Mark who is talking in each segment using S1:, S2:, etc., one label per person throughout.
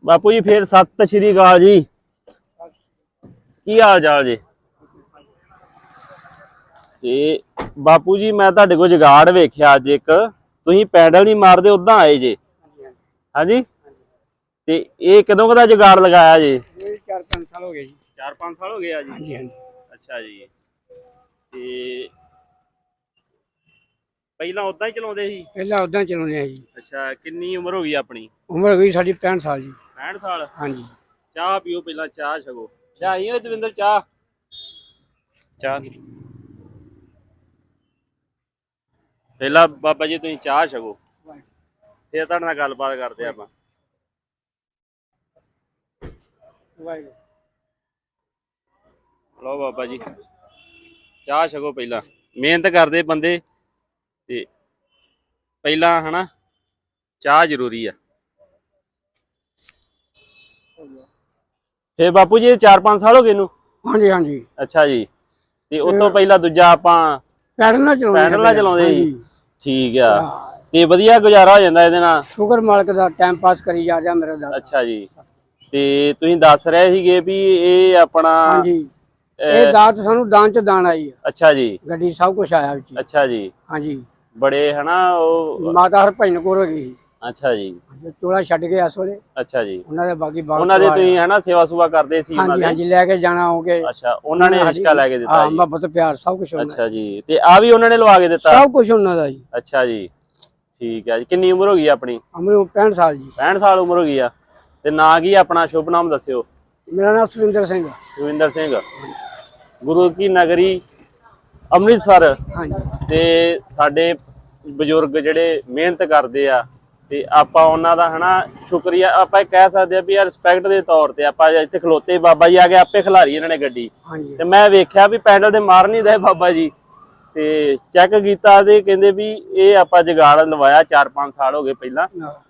S1: ਬਾਪੂ ਜੀ ਫੇਰ ਸਤਿ ਸ਼੍ਰੀ ਅਕਾਲ ਜੀ। ਕੀ ਹਾਲ ਚਾਲ ਜੀ? ਤੇ ਬਾਪੂ ਜੀ ਮੈਂ ਤੁਹਾਡੇ ਕੋਲ ਜੁਗਾੜ ਵੇਖਿਆ ਅੱਜ ਇੱਕ, ਤੁਸੀਂ ਪੈਡਲ ਨਹੀਂ ਮਾਰਦੇ ਉਦਾਂ ਆਏ ਜੇ। ਹਾਂਜੀ ਤੇ ਇਹ ਕਦੋਂ ਦਾ ਜੁਗਾੜ ਲਗਾਇਆ ਜੀ?
S2: 4-5 ਸਾਲ ਹੋ ਗਏ ਜੀ।
S1: 4-5 ਸਾਲ ਹੋ ਗਏ ਆ ਜੀ।
S2: ਹਾਂਜੀ ਹਾਂਜੀ।
S1: ਅੱਛਾ ਜੀ। ਤੇ ਪਹਿਲਾਂ ਉਦਾਂ ਹੀ ਚਲਾਉਂਦੇ ਸੀ?
S2: ਪਹਿਲਾਂ ਉਦਾਂ ਚਲਾਉਂਦੇ ਆ ਜੀ।
S1: ਅੱਛਾ, ਕਿੰਨੀ ਉਮਰ ਹੋ ਗਈ ਆਪਣੀ?
S2: ਉਮਰ ਹੋ ਗਈ ਸਾਡੀ 65 ਸਾਲ ਜੀ।
S1: 65 ਸਾਲ?
S2: ਹਾਂਜੀ।
S1: ਚਾਹ ਪੀਓ ਪਹਿਲਾਂ, ਚਾਹ ਛਕੋ। ਚਾਹ ਹੀ ਓਏ ਦਵਿੰਦਰ, ਚਾਹ ਚਾਹ ਪਹਿਲਾਂ ਬਾਬਾ ਜੀ ਤੁਸੀਂ ਚਾਹ ਛਕੋ, ਫਿਰ ਤੁਹਾਡੇ ਨਾਲ ਗੱਲਬਾਤ ਕਰਦੇ ਆਪਾਂ। ਲਓ ਬਾਬਾ ਜੀ ਚਾਹ ਛਕੋ ਪਹਿਲਾਂ, ਮਿਹਨਤ ਕਰਦੇ ਬੰਦੇ ਤੇ ਪਹਿਲਾਂ ਹਨਾ ਚਾਹ ਜ਼ਰੂਰੀ ਆ। ਫੇਰ ਬਾਪੂ ਜੀ 4-5 ਸਾਲ ਹੋ ਗਏ ਇਹਨੂੰ?
S2: ਹਾਂਜੀ ਹਾਂਜੀ।
S1: ਅੱਛਾ ਜੀ। ਤੇ ਉਸ ਤੋਂ ਪਹਿਲਾਂ ਦੂਜਾ ਆਪਾਂ
S2: ਪੈਡਲ ਨਾਲ
S1: ਚਲਾਉਂਦੇ ਸੀ? ਠੀਕ ਆ। ਤੇ ਵਧੀਆ ਗੁਜ਼ਾਰਾ ਹੋ ਜਾਂਦਾ ਇਹਦੇ ਨਾਲ?
S2: ਸ਼ੁਕਰ ਮਾਲਕ ਦਾ, ਟਾਈਮ ਪਾਸ ਕਰੀ ਜਾ ਰਿਹਾ ਮੇਰਾ ਦਾ।
S1: ਅੱਛਾ ਜੀ। ਤੇ ਤੁਸੀਂ ਦੱਸ ਰਹੇ ਸੀਗੇ ਵੀ ਇਹ ਆਪਣਾ?
S2: ਹਾਂਜੀ, ਇਹ ਦਾਤ ਸਾਨੂੰ ਦਾਨ ਚ ਦਾਨ ਆਈ।
S1: ਅੱਛਾ ਜੀ।
S2: ਗੱਡੀ ਸਭ ਕੁਝ ਆਇਆ ਵਿੱਚ।
S1: ਅੱਛਾ ਜੀ।
S2: ਹਾਂਜੀ।
S1: ਬੜੇ ਹਨਾ ਉਹ
S2: ਮਾਤਾ ਹਰਭਜਨ ਕੌਰ ਹੋ ਗਈ।
S1: ਅੱਛਾ ਜੀ।
S2: ਚੋਲਾ ਛੱਡ ਕੇ ਇਸ ਵੇਲੇ।
S1: ਅੱਛਾ ਜੀ।
S2: ਉਹਨਾਂ ਦੇ ਬਾਕੀ ਬਾਹਰ
S1: ਉਹਨਾਂ ਦੇ ਤੁਸੀਂ ਹਨਾ ਸੇਵਾ ਸੁਵਾ ਕਰਦੇ ਸੀ ਉਹਨਾਂ
S2: ਹਾਂਜੀ
S1: ਦੇ?
S2: ਹਾਂਜੀ, ਲੈ ਕੇ ਜਾਣਾ ਹੋਗੇ।
S1: ਅੱਛਾ, ਉਹਨਾਂ ਨੇ ਰਿਸ਼ਕਾ ਲੈ ਕੇ ਦਿੱਤਾ
S2: ਹਾਂ,
S1: ਜੀ?
S2: ਮੁਹੱਬਤ ਪਿਆਰ ਸਭ ਕੁਝ।
S1: ਅੱਛਾ ਜੀ। ਤੇ ਆ ਵੀ ਉਹਨਾਂ ਨੇ ਲਵਾ ਕੇ ਦਿੱਤਾ?
S2: ਸਭ ਕੁਝ ਉਹਨਾਂ ਦਾ ਜੀ।
S1: ਅੱਛਾ ਜੀ, ਠੀਕ ਹੈ ਜੀ। ਕਿੰਨੀ ਉਮਰ ਹੋ ਗਈ ਆਪਣੀ?
S2: ਉਮਰ 65 ਸਾਲ ਜੀ।
S1: 65 ਸਾਲ ਉਮਰ ਹੋ ਗਈ ਆ। ਤੇ ਨਾਂ ਕੀ ਆਪਣਾ? ਸ਼ੁਭ ਨਾਮ ਦੱਸਿਓ।
S2: ਮੇਰਾ ਨਾਮ ਸੁਰਿੰਦਰ ਸਿੰਘ।
S1: ਸੁਰਿੰਦਰ ਸਿੰਘ, ਗੁਰੂ ਕੀ ਨਗਰੀ ਅੰਮ੍ਰਿਤਸਰ।
S2: ਹਾਂਜੀ।
S1: ਤੇ ਸਾਡੇ ਬਜ਼ੁਰਗ ਜਿਹੜੇ ਮਿਹਨਤ ਕਰਦੇ ਆ ਤੇ ਆਪਾਂ ਉਹਨਾਂ ਦਾ ਹਨਾ ਸ਼ੁਕਰੀਆ ਆਪਾਂ ਕਹਿ ਸਕਦੇ ਆ ਵੀ ਯਾਰ ਰਿਸਪੈਕਟ ਦੇ ਤੌਰ ਤੇ ਆਪਾਂ ਇੱਥੇ ਖਲੋਤੇ, ਬਾਬਾ ਜੀ ਆ ਕੇ ਆਪੇ ਖਿਲਾਰੀ ਇਹਨਾਂ ਨੇ ਗੱਡੀ।
S2: ਹਾਂਜੀ।
S1: ਤੇ ਮੈਂ ਵੇਖਿਆ ਵੀ ਪੈਡਲ ਤੇ ਮਾਰ ਨਹੀਂ ਰਹੇ ਬਾਬਾ ਜੀ, ਤੇ ਚੈੱਕ ਕੀਤਾ ਤੇ ਕਹਿੰਦੇ ਵੀ ਇਹ ਆਪਾਂ ਜੁਗਾੜ ਲਵਾਇਆ 4-5 ਸਾਲ ਹੋ ਗਏ ਪਹਿਲਾਂ।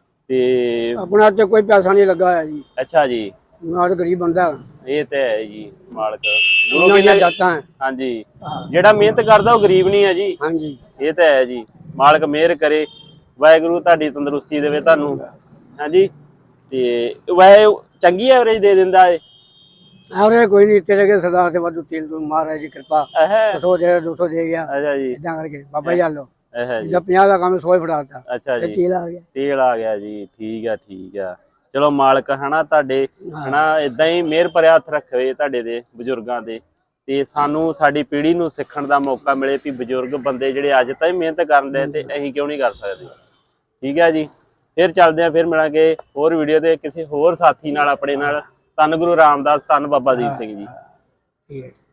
S1: ਤੇ
S2: ਆਪਣਾ ਤੇ ਕੋਈ ਪੈਸਾ ਨਹੀਂ ਲੱਗਾ ਹੋਇਆ ਜੀ।
S1: ਅੱਛਾ ਜੀ।
S2: ਨਾਲ ਗਰੀਬ ਬੰਦਾ।
S1: ਇਹ ਤੇ ਹੈ ਜੀ, ਮਾਲਕ
S2: ਗੁਰੂ ਦੀਆਂ ਦਾਤਾਂ।
S1: ਹਾਂਜੀ, ਜਿਹੜਾ ਮਿਹਨਤ ਕਰਦਾ ਉਹ ਗਰੀਬ ਨਹੀਂ ਹੈ ਜੀ।
S2: ਹਾਂਜੀ,
S1: ਇਹ ਤਾਂ ਹੈ ਜੀ। ਮਾਲਕ ਮਿਹਰ ਕਰੇ, ਵਾਹਿਗੁਰੂ ਤੁਹਾਡੀ ਤੰਦਰੁਸਤੀ ਦੇਵੇ ਤੁਹਾਨੂੰ। ਹਾਂਜੀ। ਤੇ ਵੈਸੇ ਚੰਗੀ ਐਵਰੇਜ ਦੇ ਦਿੰਦਾ ਏ?
S2: ਐਵਰੇਜ ਕੋਈ ਨਹੀਂ, ਤੇਰੇ ਕੇ ਸਰਦਾਰ ਤੇ ਵਾਧੂ ਤੇਲ ਤੋਂ ਮਹਾਰਾਜ ਦੀ ਕਿਰਪਾ। 100 ਦੇ 200 ਦੇ ਗਿਆ।
S1: ਅੱਛਾ ਜੀ।
S2: ਇਦਾਂ ਕਰਕੇ ਬਾਬਾ ਜੀ ਆਲੋ
S1: ਜੀ।
S2: ਜਿੱਦਾਂ 50 ਦਾ ਕੰਮ 100 ਹੀ ਫੜਾਤਾ।
S1: ਅੱਛਾ ਜੀ।
S2: ਤੇਲ ਆ ਗਿਆ।
S1: ਤੇਲ ਆ ਗਿਆ ਜੀ। ਠੀਕ ਆ ਠੀਕ ਆ। ਚਲੋ ਮਾਲਕ ਹਨਾ ਤੁਹਾਡੇ ਹਨਾ ਏਦਾਂ ਹੀ ਮਿਹਰ ਭਰਿਆ ਹੱਥ ਰੱਖੇ ਤੁਹਾਡੇ ਦੇ ਬਜ਼ੁਰਗਾਂ ਦੇ, ਤੇ ਸਾਨੂੰ ਸਾਡੀ ਪੀੜ੍ਹੀ ਨੂੰ ਸਿੱਖਣ ਦਾ ਮੌਕਾ ਮਿਲੇ ਵੀ ਬਜ਼ੁਰਗ ਬੰਦੇ ਜਿਹੜੇ ਅੱਜ ਤਾਈਂ ਮਿਹਨਤ ਕਰਨ ਦੇ ਤੇ ਅਸੀਂ ਕਿਉਂ ਨਹੀਂ ਕਰ ਸਕਦੇ। ਠੀਕ ਹੈ ਜੀ। ਫਿਰ ਚੱਲਦੇ ਆ, ਫਿਰ ਮਿਲਾਂਗੇ ਹੋਰ ਵੀਡੀਓ ਤੇ ਕਿਸੇ ਹੋਰ ਸਾਥੀ ਨਾਲ ਆਪਣੇ ਨਾਲ। ਧੰਨ ਗੁਰੂ ਰਾਮਦਾਸ, ਧੰਨ ਬਾਬਾ ਦੀਪ ਸਿੰਘ ਜੀ।